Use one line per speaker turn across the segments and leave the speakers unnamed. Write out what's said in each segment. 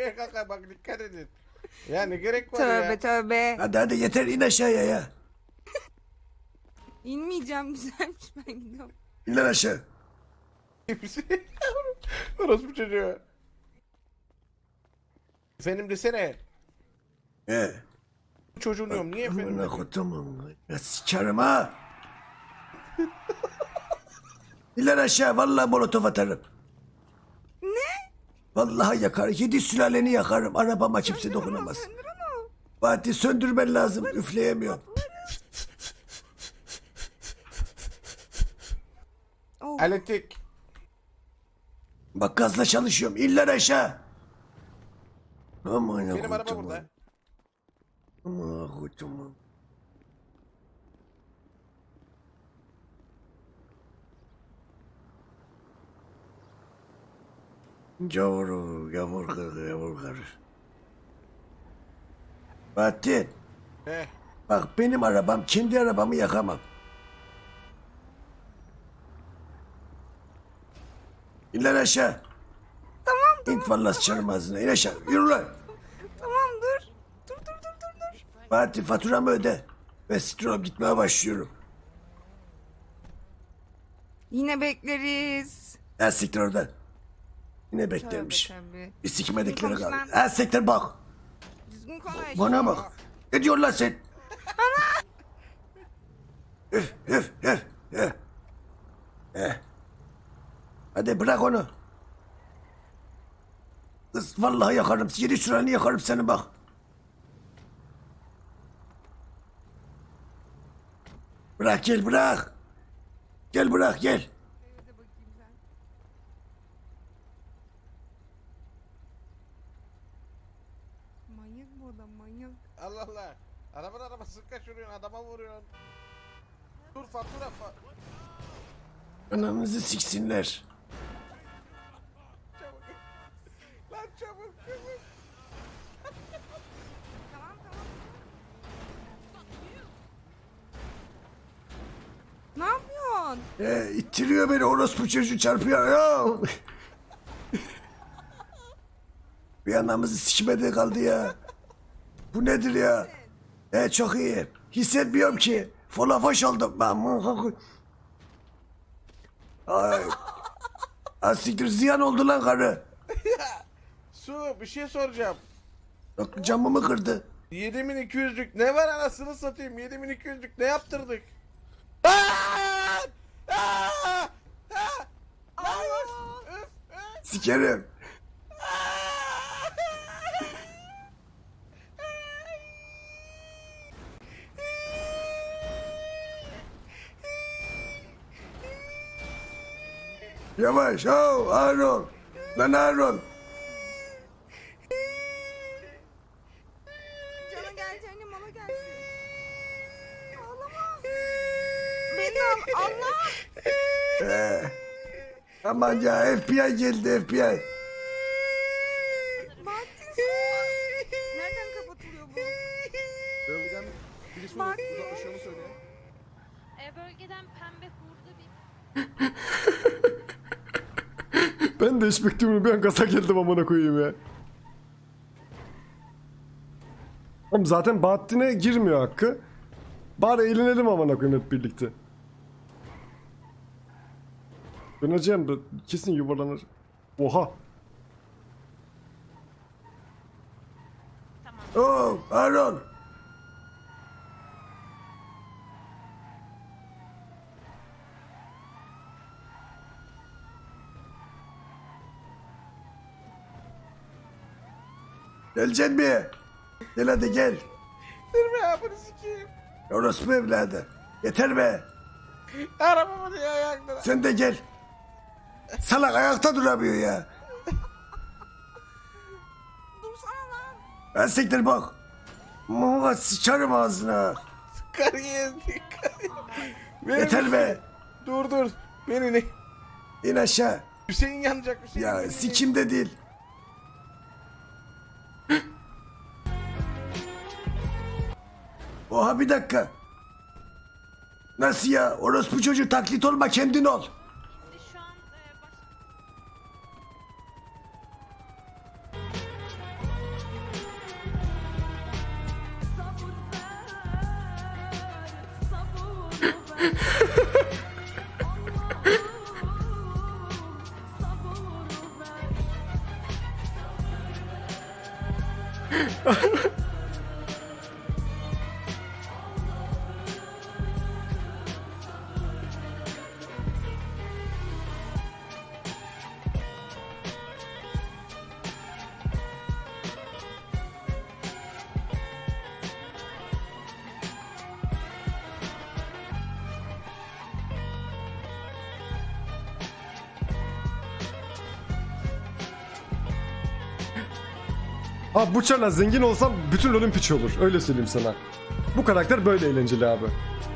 düşmeye kalkar bak dikkat edin. Ya ne gerek var
Tövbe
ya.
tövbe.
Hadi yeter in aşağıya ya.
İnmeyeceğim, güzelmiş, ben gidiyorum.
İn lan aşağı.
Orospu çocuğu. Efendim desene. Bu çocuğun diyorum niye efendim?
Amına kodumun. Ya sikerim ha. İn lan aşağı vallahi molotof atarım.
Ne?
Vallahi yakar. 7 sülaleni yakarım. Arabama kimse dokunamaz.
Söndür onu.
Fatih söndürmen lazım. Üfleyemiyorum.
Oh.
Elektrik.
Bak gazla çalışıyorum. İn lan aşağı. Aman
Benim araba burada.
Aman kodumun. Yavur karı. Fatih.
Heh.
Bak benim arabam, kendi arabamı yakamam. İn lan aşağı.
Tamam.
İn vallahi sıçarım ağzına. İn aşağı. Yürü lan.
Tamam dur. Dur.
Fatih faturamı öde. Ve stroll gitmeye başlıyorum.
Yine bekleriz.
Ha siktir oradan. Yine beklermiş.
Tövbe.
Bir sikmedikleri
Düzgün
kaldı.
konuş lan.
Ha siktir bak.
Düzgün konuş.
Bana bak. Ne diyorsun lan sen? Üf. Hadi bırak onu. Kız vallahi yakarım. 7 süreni yakarım seni bak. Bırak gel bırak. Gel bırak gel.
Evde bakayım sen. Manyak bu adam, manyak.
Allah Allah. Arabası kaçırıyorsun adama vuruyorsun. Dur fatura
Ananızı siksinler.
çabuk. Lan çabuk.
Tamam. Ne yapıyorsun?
İttiriyor beni orospu çocuğu çarpıyor ya. Bir anamızı sikmedi kaldı ya. Bu nedir ya? Çok iyi. Hissetmiyorum ki. Folafoş oldum ben. Ay. Asiktir ziyan oldu lan karı.
Su bir şey soracağım.
Bak camımı kırdı.
7200'lük ne var anasını satayım 7200'lük ne yaptırdık?
Sikerim. Yavaş. Oh, Harun. Lan Harun.
Cana gel canım, ona gelsin. Ağlama. Beni Allah.
Aman ya FBI geldi FBI.
Bahattin sus. Nereden kapatılıyor bu?
Bölgeden birisi
Bahattin.
uzaklaşıyor mu söyle?
Bölgeden pembe hurda bir
Ben de hiç beklemiyordum. Bir an gaza geldim amına koyayım ya. Oğlum zaten Bahattin'e girmiyor hakkı. Bari eğlenelim amına koyayım hep birlikte. Döneceğim de kesin yuvarlanır. Oha.
Oh, Harun. Geleceksin mi? Gel hadi gel.
Dur be bunu sikeyim.
Orospu evladı. Yeter be.
Arabamı diye ayaklara.
Sen de gel. Salak ayakta duramıyor ya.
Dursana lan.
Ben siktir bak. Muha sıçarım ağzına.
Kariyer dikkat.
Yeter be.
Dur. Beni ne?
İn aşağı.
Hüseyin yanacak Hüseyin.
Ya sikimde değil. Oha bir dakika. Nasıl ya? Orospu çocuğu taklit olma kendin ol.
şu an
Abi bu çarla zengin olsam bütün LoL'ün piçi olur. Öyle söyleyeyim sana. Bu karakter böyle eğlenceli abi.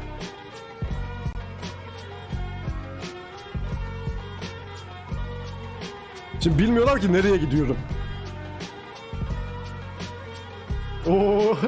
Şimdi bilmiyorlar ki nereye gidiyorum. Oo.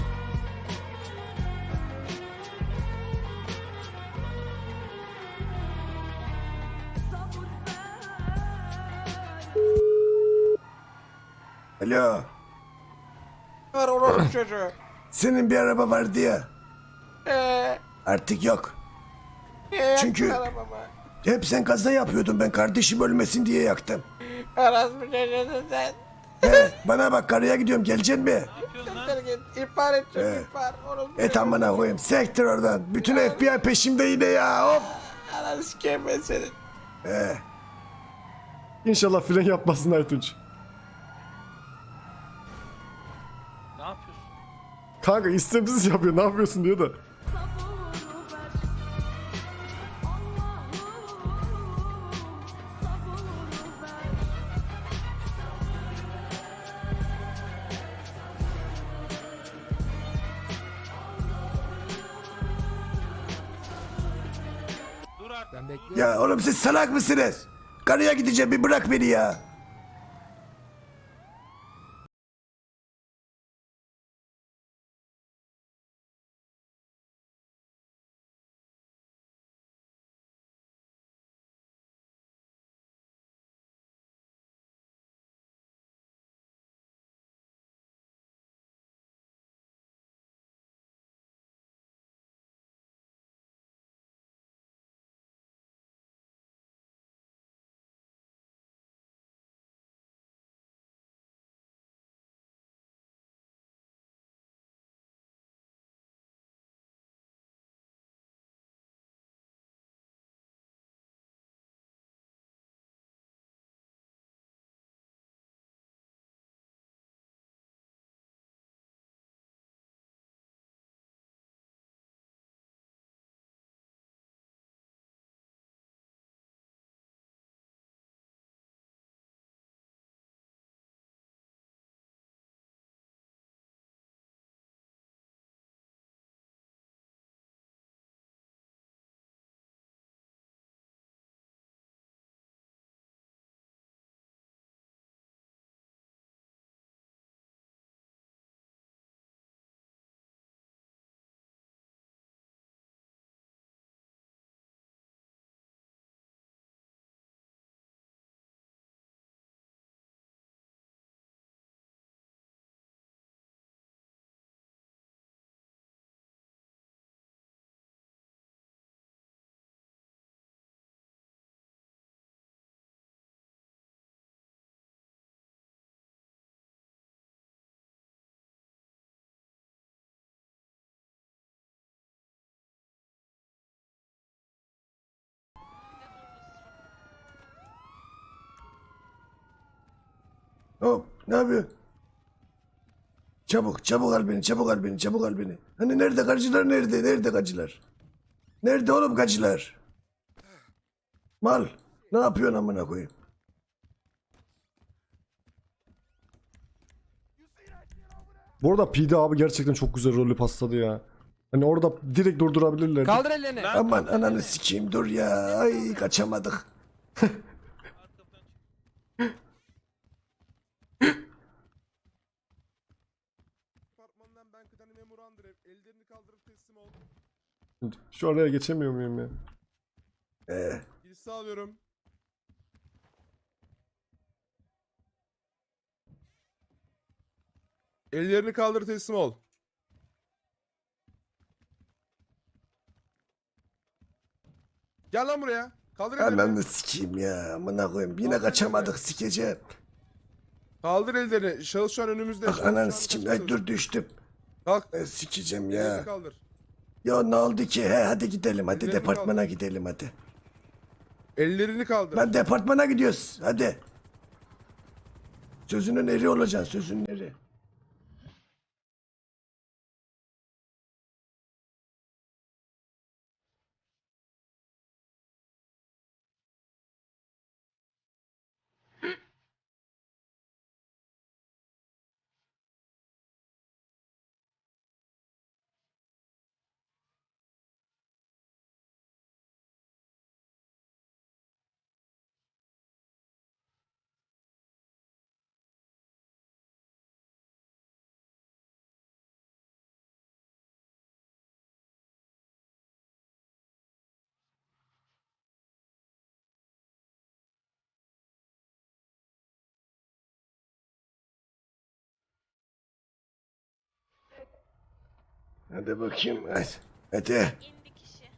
Alo.
Ver oğlum çocuğu.
Senin bir araba vardı ya. Artık yok. Çünkü-
Arabama.
Hep sen kaza yapıyordun, ben kardeşim ölmesin diye yaktım.
Orospu çocuğusun sen.
Bana bak, karıya gidiyorum, geleceksin mi?
Siktir git. İhbar edeceğim ihbar. Orospu
Et amına koyayım, sektir oradan. Bütün FBI peşimde yine ya, hop.
Ananı sikeyim ben senin.
İnşallah fren yapmasın Aytunç.
Ne yapıyorsun?
Kanka istemsiz yapıyor, ne yapıyorsun diyor da.
Dur artık.
Ya oğlum siz salak mısınız? Karıya gideceğim, bir bırak beni ya. Hop, ne yapıyorsun? Çabuk, çabuk al beni, çabuk al beni, çabuk al beni. Hani nerede gacılar, nerede? Nerede gacılar? Nerede oğlum gacılar? Mal, ne yapıyorsun amına koyayım?
Bu arada PD abi gerçekten çok güzel rolü pasladı ya. Hani orada direkt durdurabilirler.
Kaldır ellerini.
Aman ananı sikeyim, dur ya. Ay kaçamadık.
Departmandan ben kıdemli memuru Andrev. Ellerini kaldırıp teslim ol.
Şu araya geçemiyor muyum ya?
Giriş sağlıyorum. Ellerini kaldır teslim ol. Gel lan buraya. Kaldır ellerini.
Ananı sikeyim ya. Amına koyayım. Yine kaçamadık sikeceğim.
Kaldır ellerini. Şahıs şu an önümüzde.
Bak
Şahıs
ananı
şu an
sikeyim.
kaçmaya
Ay dur düştüm.
Kalk.
Ben sikeceğim
Ellerini
ya.
kaldır.
Ya ne oldu ki? He hadi gidelim. Hadi
Ellerini
departmana
kaldır.
gidelim hadi.
Ellerini kaldır.
Lan departmana gidiyoruz. Hadi. Sözünün eri olacaksın. Sözünün eri. Hadi bakayım. Hadi. Hadi.
İndi kişi.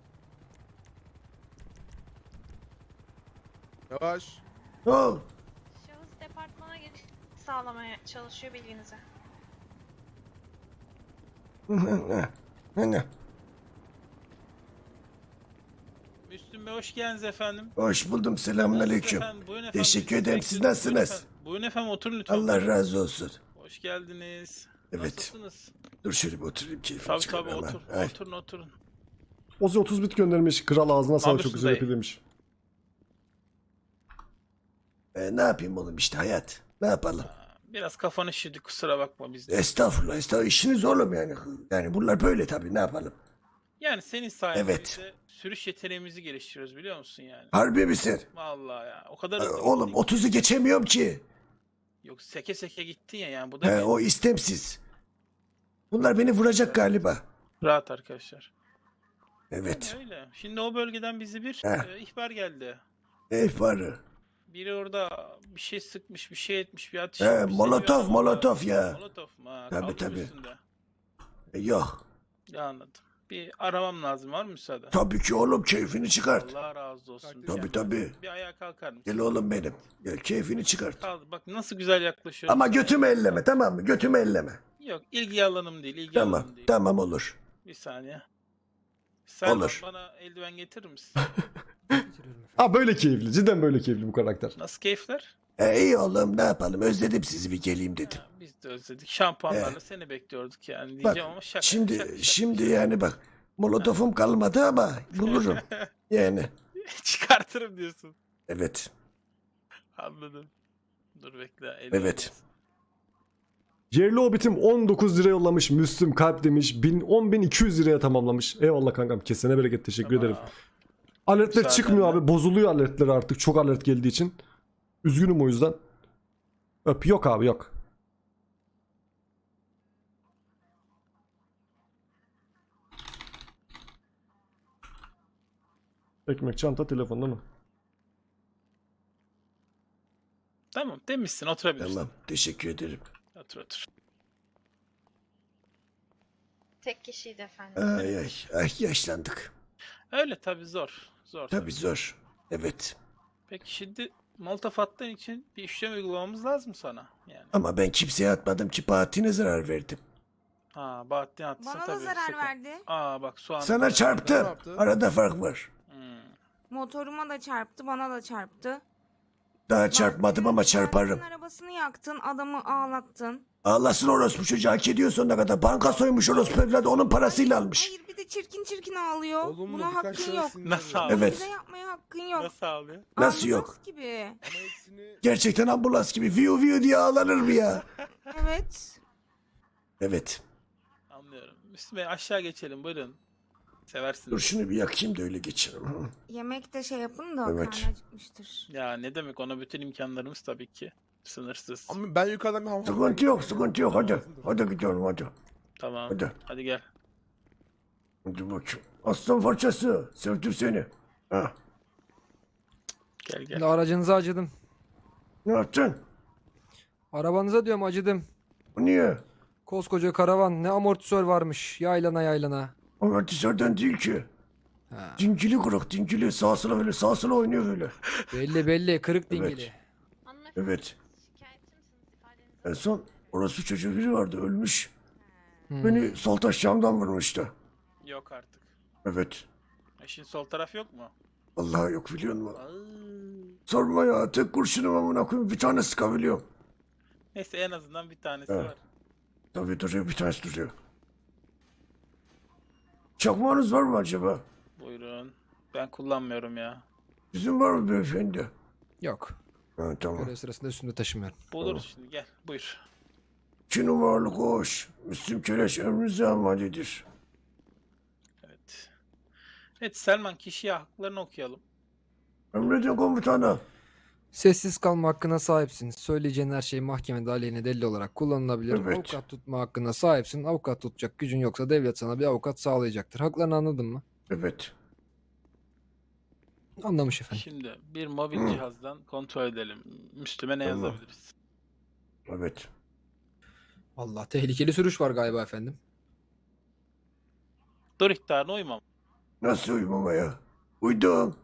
Yavaş.
Oh.
Şahıs departmana giriş sağlamaya çalışıyor bilginize.
Hani.
Müslüm Bey hoş geldiniz efendim.
Hoş buldum. Selamünaleyküm.
Nasılsınız efendim? Buyurun efendim.
Teşekkür
Siz
ederim. Siz
bekliyoruz.
nasılsınız?
Buyurun efendim oturun lütfen.
Allah razı olsun.
Hoş geldiniz.
Evet.
Nasılsınız?
Dur şöyle bir oturayım keyfim
Tabii
çıkar
tabii
ama.
otur.
Ay.
Oturun.
Ozi 30 bit göndermiş. Kral ağzına sağlık, çok
yapıyorsun
güzel
dayı?
yapıyor demiş.
Ne yapayım oğlum işte hayat. Ne yapalım?
Biraz kafanı şişirdi kusura bakma biz de.
Estağfurullah estağfurullah. İşiniz oğlum yani. Yani bunlar böyle tabii ne yapalım.
Yani senin sayende
Evet.
biz de sürüş yeteneğimizi geliştiriyoruz biliyor musun yani?
Harbi misin?
Vallahi ya o kadar hızlı
Oğlum
gittin ki.
30'u geçemiyorum ki.
Yok seke seke gittin ya yani bu da
O istemsiz. Bunlar beni vuracak galiba.
rahat arkadaşlar.
Evet.
Öyle. Şimdi o bölgeden bize bir
Heh.
ihbar geldi.
Ne ihbarı?
Biri orada bir şey sıkmış, bir şey etmiş, bir atış
He,
yapmış.
molotof,
Seni bir adam-
molotof ya.
Molotof mu? Ha,
Tabii,
kaldı mı
tabii.
üstünde?
Yok.
Ya anladım. Bir aramam lazım. Var mı müsaade?
Tabii ki oğlum keyfini çıkart.
Allah razı olsun.
Tabii
Gel.
tabii.
Bir ayağa kalkar mısın?
Gel oğlum benim. Gel keyfini çıkart.
Kaldı. Bak nasıl güzel yaklaşıyor.
Ama götümü elleme tamam mı? Götümü elleme.
Yok ilgi alanım değil. İlgi
Tamam.
alanım değil.
Tamam olur.
Bir saniye. Sen
Olur.
bana eldiven getirir misin?
Ha böyle keyifli. Cidden böyle keyifli bu karakter.
Nasıl keyifler?
İyi oğlum ne yapalım özledim sizi bir geleyim dedim.
Ha, biz de özledik. Şampuanlarla seni bekliyorduk yani
Bak
diyeceğim ama şaka.
şimdi
şaka.
şimdi yani bak molotofum kalmadı ama bulurum. Yani
Çıkartırım diyorsun.
evet.
Anladım. Dur bekle.
Evet.
Yerli Hobbit'im 19 lira yollamış. Müslüm kalp demiş. 10.200 liraya tamamlamış. Eyvallah kankam. Kesene bereket. Teşekkür ederim. Alertler
Müsaadenle.
çıkmıyor abi. Bozuluyor alertler artık. Çok alert geldiği için. Üzgünüm o yüzden. Öp. Yok abi yok. Ekmek, çanta, telefon değil mi?
Tamam demişsin oturabilirsin.
Tamam teşekkür ederim.
Otur otur.
Tek kişiydi efendim.
Ay ay ay yaşlandık.
Öyle tabii zor. Zor.
Tabii zor. Evet.
Peki şimdi molotof attığın için bir işlem uygulamamız lazım sana. Yani.
Ama ben kimseye atmadım ki Bahattin'e zarar verdim.
Ha Bahattin attıysa
Bana da
tabii.
zarar
sıkıntı.
verdi.
Aa bak soğan.
Sana
Ne
çarptı.
yaptı?
Arada fark var.
Hmm.
Motoruma da çarptı, bana da çarptı.
Daha çarpmadım ama çarparım.
Abinin arabasını yaktın, adamı ağlattın.
Ağlasın orospu çocuğu hak ediyor sonuna kadar. Banka soymuş orospu evladı onun parasıyla almış.
Hayır bir de çirkin çirkin ağlıyor.
Olumlu
Buna
birkaç
hakkın
şahıs
yok.
sinirlendi.
Nasıl abi?
Evet.
Bize yapmaya hakkın yok.
Nasıl ağlıyor?
Nasıl
Ambulans
yok?
gibi.
Ama hepsini
Gerçekten ambulans gibi viu viu diye ağlanır mı ya?
Evet.
Evet.
Anlıyorum. Müslüm Bey aşağı geçelim buyurun. Seversiniz.
Dur şunu bir yakayım da öyle geçerim. Hı.
Yemek de şey yapın da
Evet.
karnı acıkmıştır.
Ya ne demek ona bütün imkanlarımız tabii ki. Sınırsız.
Ama ben yukarıdan bir hamam.
Sıkıntı yok sıkıntı yok hadi. Hadi gidiyorum hadi.
Tamam.
Hadi.
Hadi gel.
Hadi bakayım. Aslan parçası. Sevdim seni. Ha.
Gel gel.
Şimdi aracınıza acıdım.
Ne yaptın?
Arabanıza diyorum acıdım.
O niye?
Koskoca karavan ne amortisör varmış yaylana yaylana.
Amortisörden değil ki.
Ha.
Dingili kırık dingili. Sağa sola böyle sağa sola oynuyor böyle.
Belli belli kırık
Evet.
dingili.
Hanımefendi
Evet.
şikayetçi misiniz? İfadenizi
En son orası çocuğu biri vardı ölmüş.
Hmm.
Beni sol taş camdan vurmuştu.
Yok artık.
Evet.
İşin sol taraf yok mu?
Vallahi yok biliyor musun? Sorma ya tek kurşunum amına koyayım bir tane sıkabiliyorum.
Neyse en azından bir tanesi
Evet.
var.
Tabii duruyor bir tanesi duruyor. Çakmağınız var mı acaba?
Buyurun. Ben kullanmıyorum ya.
Sizin var mı beyefendi?
Yok.
Ha tamam.
Görev sırasında üstünde taşımıyorum.
Buluruz şimdi gel buyur.
2 numaralı koş. Müslüm Keleş emrinize amadedir.
Evet. Evet Selman kişiye haklarını okuyalım.
Emredin komutanım.
Sessiz kalma hakkına sahipsin. Söyleyeceğin her şey mahkemede aleyhine delil olarak kullanılabilir.
Evet.
Avukat tutma hakkına sahipsin. Avukat tutacak gücün yoksa devlet sana bir avukat sağlayacaktır. Haklarını anladın mı?
Evet.
Anlamış efendim.
Şimdi bir mobil
Hı.
cihazdan kontrol edelim. Müslüme ne
Tamam.
yazabiliriz?
Evet.
Allah tehlikeli sürüş var galiba efendim.
Dur ihtarına uymam.
Nasıl uyumama? Uydum.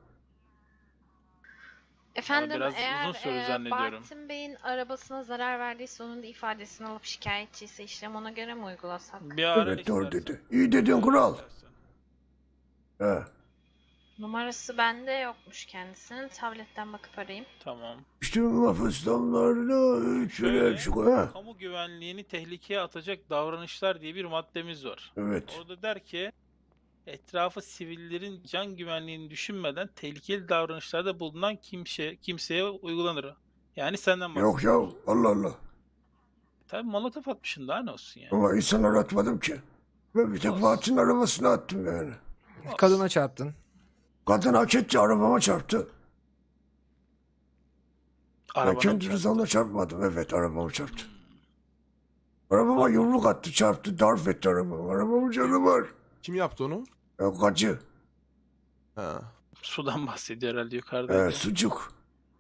Efendim
biraz uzun
eğer
sürdü zannediyorum.
Bartın Bey'in arabasına zarar verdiyse onun da ifadesini alıp şikayetçiyse işlem ona göre mi uygulasak?
Bir ara
Evet doğru
istersen.
dedi. İyi dedin kral.
İstersen.
He.
Numarası bende yokmuş kendisinin. Tabletten bakıp arayayım.
Tamam.
İşte mafıstamlarla
Şöyle,
üçüne çıkıyor. Ha.
kamu güvenliğini tehlikeye atacak davranışlar diye bir maddemiz var.
Evet.
Orada der ki etrafı sivillerin can güvenliğini düşünmeden tehlikeli davranışlarda bulunan kimseye uygulanır. Yani senden
Yok
bahsediyorum.
ya Allah Allah.
Tabii molotof atmışsın daha ne olsun yani.
Ama insanlar atmadım ki. Ben bir tek
Olsun.
Fatih'in arabasına attım yani.
Olsun.
Kadına çarptın.
Kadın hak etti arabama çarptı. Ben
Arabana
kendi
çarptı.
rızamla çarpmadım. Evet arabama çarptı. Arabama yumruk attı çarptı darp etti arabamı. Arabamın canı var.
Kim yaptı onu?
Ya gacı.
Ha.
Sudan bahsediyor herhalde yukarıda.
Sucuk.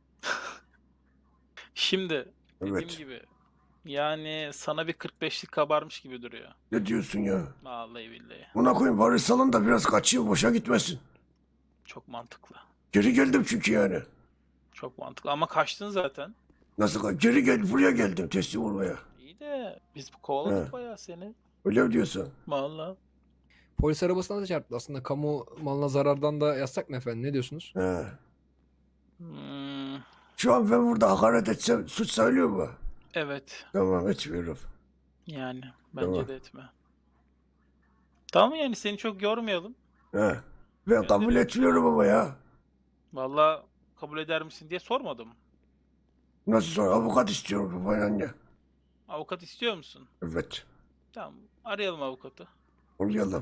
Şimdi dediğim
Evet.
gibi yani sana bir 45'lik kabarmış gibi duruyor.
Ne diyorsun ya?
Vallahi billahi.
Buna koyayım bari salın da biraz kaçayım boşa gitmesin.
Çok mantıklı.
Geri geldim çünkü yani.
Çok mantıklı ama kaçtın zaten.
Nasıl geri gel buraya geldim teslim olmaya.
İyi de biz kovaladık
He.
bayağı seni.
Öyle mi diyorsun?
Vallahi.
Polis arabasına da çarptı. Aslında kamu malına zarardan da yazsak mı efendim? Ne diyorsunuz?
He.
Hmm,
Şu an ben burada hakaret etsem suç sayılıyor mu?
evet.
Tamam etmiyorum.
Yani bence
Tamam.
de etme. Tamam yani seni çok yormayalım.
He. Ben kabul etmiyorum ama ya.
Vallahi kabul eder misin diye sormadım.
Nasıl sonra avukat istiyorum babayla anne.
Avukat istiyor musun?
Evet.
Tamam. Arayalım avukatı.
Olayalım.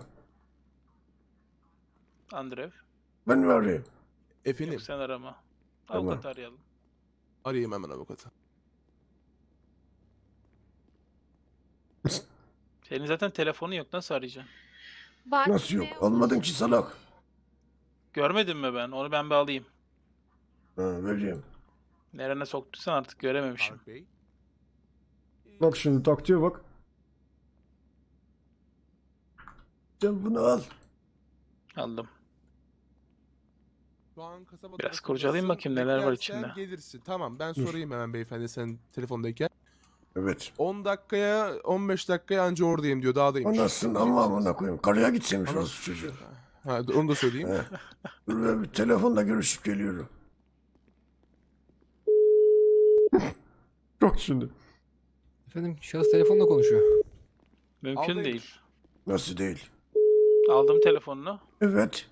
Andrev.
Ben mi arayayım?
Efendim
Yok sen arama.
Tamam.
Avukatı arayalım.
arayayım hemen avukatı.
Senin zaten telefonu yok. Nasıl arayacaksın?
Bartın
Nasıl yok?
Bey'e
Almadın ki salak.
Görmedin mi ben? Onu ben bir alayım.
Ha, vereyim.
Nerene soktuysan artık görememişim.
Faruk Bey.
Bak şimdi taktiğe bak.
Sen bunu al.
Aldım.
Şu an kasaba
Biraz
tarafındasın.
kurcalayayım bakayım neler var
Beklersen
içinde.
gelirsin. Tamam ben
Dur.
sorayım hemen beyefendi sen telefondayken.
Evet.
10 dakikaya 15 dakikaya anca oradayım diyor dağdayım.
Anasını ama amına koyayım. Karıya gitseymiş
Ana-
orası çocuğu.
Ha, onu da söyleyeyim.
He. Dur ben bir telefonla görüşüp geliyorum.
Bak şimdi.
Efendim şahıs telefonla konuşuyor.
Mümkün
Aldaymış.
değil.
Nasıl değil?
Aldım telefonunu.
Evet.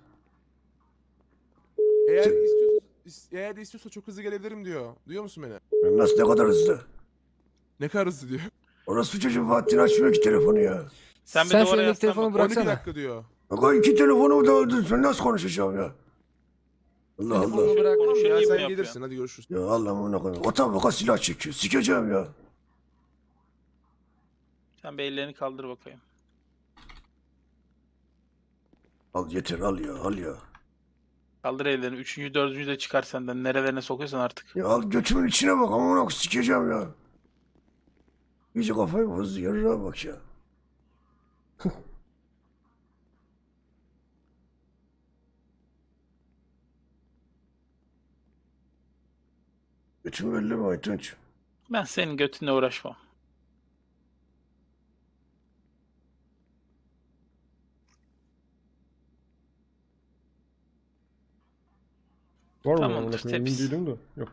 Eğer istiyorsa çok hızlı gelebilirim diyor. Duyuyor musun beni?
Nasıl ne kadar hızlı?
Ne kadar hızlı diyor.
Orası çocuğu Fatih'in açmıyor ki telefonu ya.
Sen bir
Sen
duvara
şu elindeki
yaslan
telefonu
bak.
bırak.
12
Bıraksana.
dakika diyor.
Bak iki telefonumu da öldün. Ben nasıl konuşacağım ya? Allah
Telefonu
Allah.
bırak.
Konuşayım
Ya
mi
sen
yapıyorsun?
gelirsin hadi görüşürüz.
Ya Allah'ım koyayım. Otobüse silah çekiyor. Sikeceğim ya.
Sen bir ellerini kaldır bakayım.
Al yeter al ya al ya.
Kaldır ellerini. Üçüncü, dördüncü de çıkar senden. Nerelerine sokuyorsan artık.
Ya al götümün içine bak ama onu sikeceğim ya. İyice kafayı bozdu yarına bak ya. Bütün belli mi Aytunç?
Ben senin götünle uğraşmam.
Var mı?
Tamamdır,
Amına koyayım, emin
temiz.
değilim de. Yok.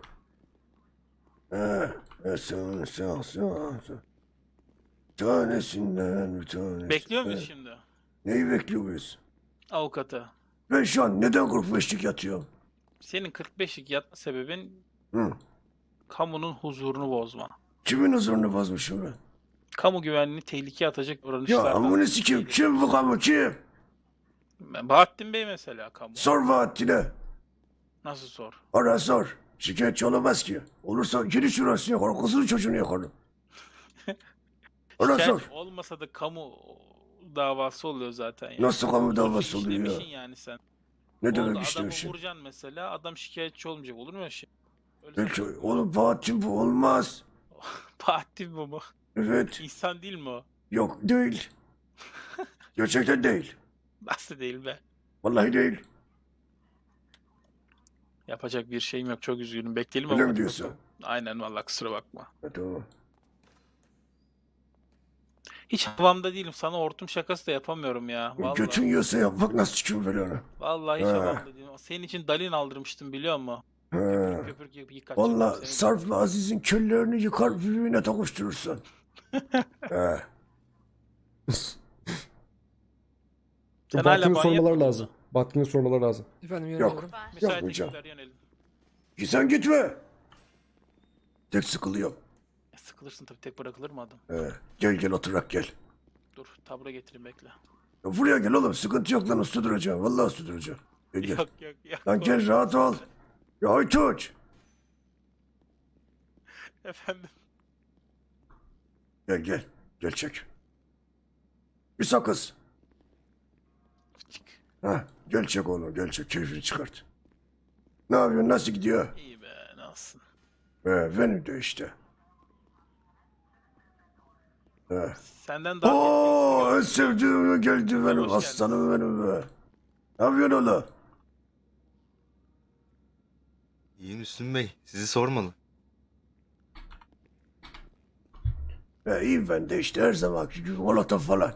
Sağ. Tanesinden bir tanesi.
Bekliyor muyuz şimdi?
Neyi bekliyor muyuz?
Avukatı.
Ben şu an neden 45'lik yatıyorum?
Senin 45'lik yatma sebebin
Hı.
kamunun huzurunu bozma.
Kimin huzurunu bozmuşum ben?
Kamu güvenliğini tehlikeye atacak
Ya
davranışlardan.
amını sikeyim. Kim bu kamu kim?
Bahattin Bey mesela kamu.
Sor Bahattin'e.
Nasıl sor?
Ara sor. Şikayetçi olamaz ki. Olursa geri şurasını yakar. Kızın çocuğunu yakarım. Ara
Şikayet
sor.
olmasa da kamu davası oluyor zaten ya.
Nasıl kamu
Suç
davası oluyor ya?
işlemişsin yani sen.
Ne
Oldu,
demek
adamı
istemişsin?
vuracaksın mesela, adam şikayetçi olmayacak, olur mu öyle şey? Öyle
Belki
saçma.
oğlum Bahattin bu olmaz.
Bahattin bu mu?
Evet.
İnsan değil mi o?
Yok değil. Gerçekten değil.
Nasıl değil be?
Vallahi değil.
Yapacak bir şeyim yok, çok üzgünüm. Bekleyelim
Öyle mi
avukatı
diyorsun?
bakalım. Aynen vallahi, kusura bakma.
Ha, tamam.
Hiç havamda değilim, sana hortum şakası da yapamıyorum ya. Vallahi.
Götün yiyorsa yap bak nasıl çıkıyor böyle ona.
Vallahi hiç
Ha.
havamda değilim. Senin için dalin aldırmıştım biliyor musun?
Ha.
Köpürük yıkacaktım
Valla
seni.
Sarp'la Aziz'in küllerini yıkar birbirine tokuşturursun. He.
Sen hala
Bahattin'in
banyo
sormaları
yapmadın mı?
lazım. Bahattin'in sormaları lazım.
Efendim
Yok.
yöneliyorum.
Müsait
Yapmayacağım.
ekipler yönelim.
Ki sen gitme. Tek sıkılıyorum.
Sıkılırsın tabii, tek bırakılır mı adam?
He. Gel gel oturak gel.
Dur, tabura getireyim, bekle.
Ya buraya gel oğlum sıkıntı yok lan usta duracağım. Vallahi usta duracağım. Gel gel.
Yok.
Lan gel rahat ol. Ya Aytunç.
Efendim.
Gel gel. Gel çek. Bir sakız.
Çık.
Ha, gel çek oğlum gel çek keyfini çıkart. Ne yapıyorsun nasıl gidiyor?
İyi be, nasılsın?
Benim de işte. He.
Senden daha
Oo en
yetkilisi
sevdiğim geldi benim
geldiniz.
aslanım benim be. Ne yapıyorsun oğlum?
İyi Müslüm Bey, sizi sormalı.
İyiyim ben de işte her zamanki gibi molotof falan.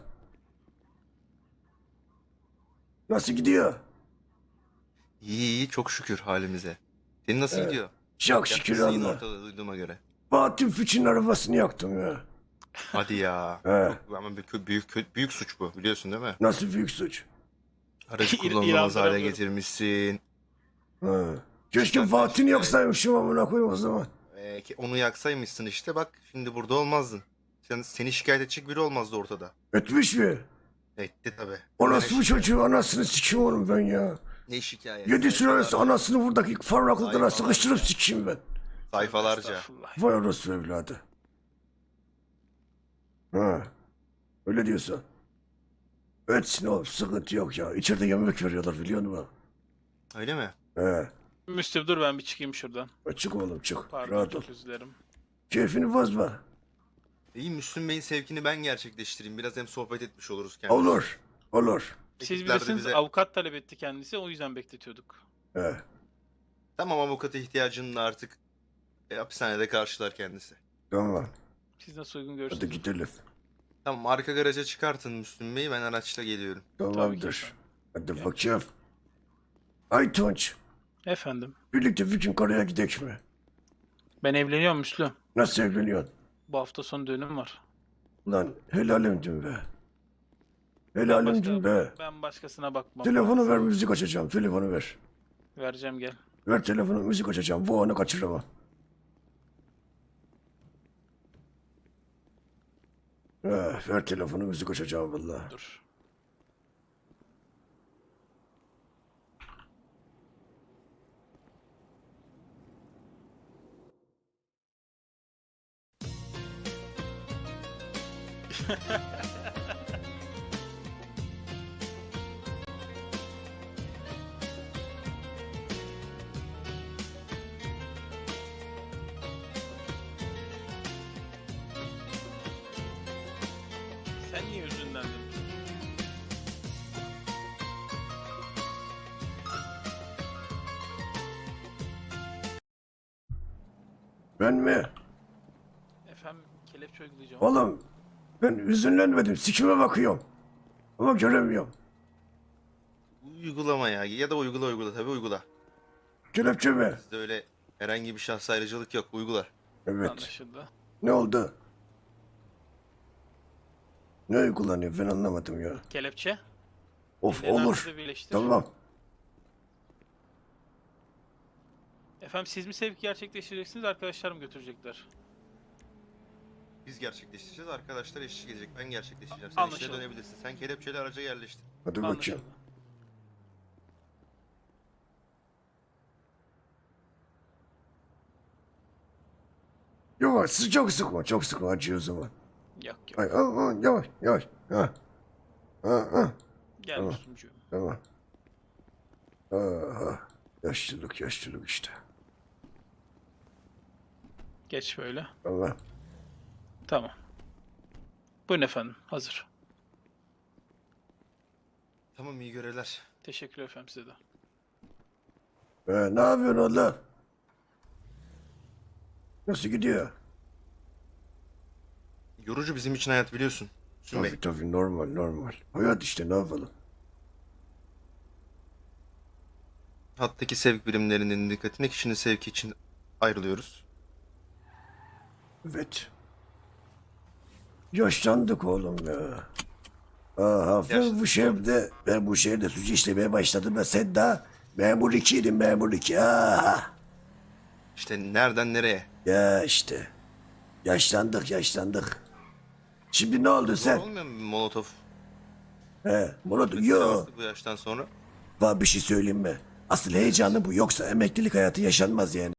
Nasıl gidiyor?
İyi, çok şükür halimize. Senin nasıl gidiyor?
Çok şükür
Yakmışsın yine
Allah.
ortada duyduğuma göre.
Bahattin Füç'ün arabasını yaktım ya.
Hadi ya.
He.
Ama büyük suç bu, biliyorsun değil mi?
Nasıl büyük suç?
Aracı
İran
kullanılamaz hale
tarafları.
getirmişsin.
Ha. Keşke
Bak
Bahattin'i
işte.
yaksaymışım amına koyayım o zaman.
Onu yaksaymışsın işte, bak şimdi burada olmazdın. Seni şikayet edecek biri olmazdı ortada.
Etmiş mi?
Etti tabii.
O
Ne
nasıl bu
şikayet?
çocuğu anasını sikeyim oğlum ben ya.
Ne şikayet?
7 sülalesi
Sayfalarca.
anasını buradaki farraklıklara
Sayfalarca.
sıkıştırıp sikeyim ben.
Sayfalarca.
Estağfurullah.
Vay orospu evladı. Ha. Öyle diyorsan. Etsin oğlum sıkıntı yok ya. İçeride yemek veriyorlar biliyor musun?
Öyle mi?
He.
Müslüm dur, ben bir çıkayım şuradan.
Çık oğlum çık.
Pardon,
Rahat ol.
çok özür dilerim.
Keyfini bozma.
İyi, Müslüm Bey'in sevkini ben gerçekleştireyim. Biraz hem sohbet etmiş oluruz kendimiz.
Olur. Olur.
Siz
Ekipler de
bilirsiniz,
bize-
avukat talep etti kendisi, o yüzden bekletiyorduk.
He.
Tamam, avukata ihtiyacının da artık hapishanede karşılar kendisi.
Tamam.
Siz nasıl uygun
Hadi
görürsünüz?
gidelim.
Tamam, arka garaja çıkartın Müslüm Bey, ben araçla geliyorum.
Tamamdır.
efendim.
Hadi
Gel.
bakayım. Aytunç.
Efendim.
Birlikte bir gün karaya gidek mi?
Ben evleniyorum Müslüm.
Nasıl evleniyorsun?
Bu hafta sonu düğünüm var.
Lan helalimdin be. Helalimdin be.
Ben başkasına bakmam.
Telefonu ver müzik açacağım. Telefonu ver.
Vereceğim, gel.
Ver telefonu müzik açacağım. Bu anı kaçıramam. Ver telefonu müzik açacağım vallahi.
Dur. Sen niye üzüldün?
Ben mi?
Efendim kelepçe uygulayacağım.
Oğlum ben üzünlenmedim. Sikime bakıyorum. Ama göremiyorum.
Uygulama ya da uygula tabii uygula.
Kelepçe mi?
Bizde öyle herhangi bir şahsa ayrıcalık yok, uygula.
Evet.
Anlaşıldı.
Ne oldu? Ne uygulanıyor ben anlamadım ya.
Kelepçe.
Of
Ellerini
olur.
arkada birleştir.
Tamam.
Efendim siz mi sevk gerçekleştireceksiniz, arkadaşlar mı götürecekler?
Biz gerçekleştireceğiz, arkadaşlar eşlik edecek. Ben gerçekleştireceğim. Sen işine
Anlaşıldı.
dönebilirsin. Sen kelepçeli araca yerleştir.
Hadi bakayım.
Anlaşıldı.
Yavaş çok sıkma çok sıkma acıyor o zaman.
Yok yok.
Ay, yavaş yavaş. Ha. Ha.
Gel
Tamam.
Müslümcüğüm.
Tamam. Aha. Yaşlılık işte.
Geç böyle.
Allah.
Tamam. Buyurun efendim. Hazır.
Tamam, iyi görevler.
Teşekkür efendim size de.
Ne yapıyorsun oğlum? Nasıl gidiyor?
Yorucu bizim için hayat, biliyorsun. Sümey.
Tabii normal. Hayat işte ne yapalım?
Hattaki sevk birimlerinin dikkatine kişinin sevki için ayrılıyoruz.
Evet. Yaşlandık oğlum ya. Aha ben bu şehirde suç işlemeye başladım da sen daha memur 2'ydin memur 2.
İşte nereden nereye?
Ya işte. Yaşlandık. Şimdi ne oldu
Zor
sen?
olmuyor mu Molotov?
Murat
Mesela
yo.
artık bu yaştan sonra.
Bana bir şey söyleyeyim mi? Asıl heyecanı bu yoksa emeklilik hayatı yaşanmaz yani.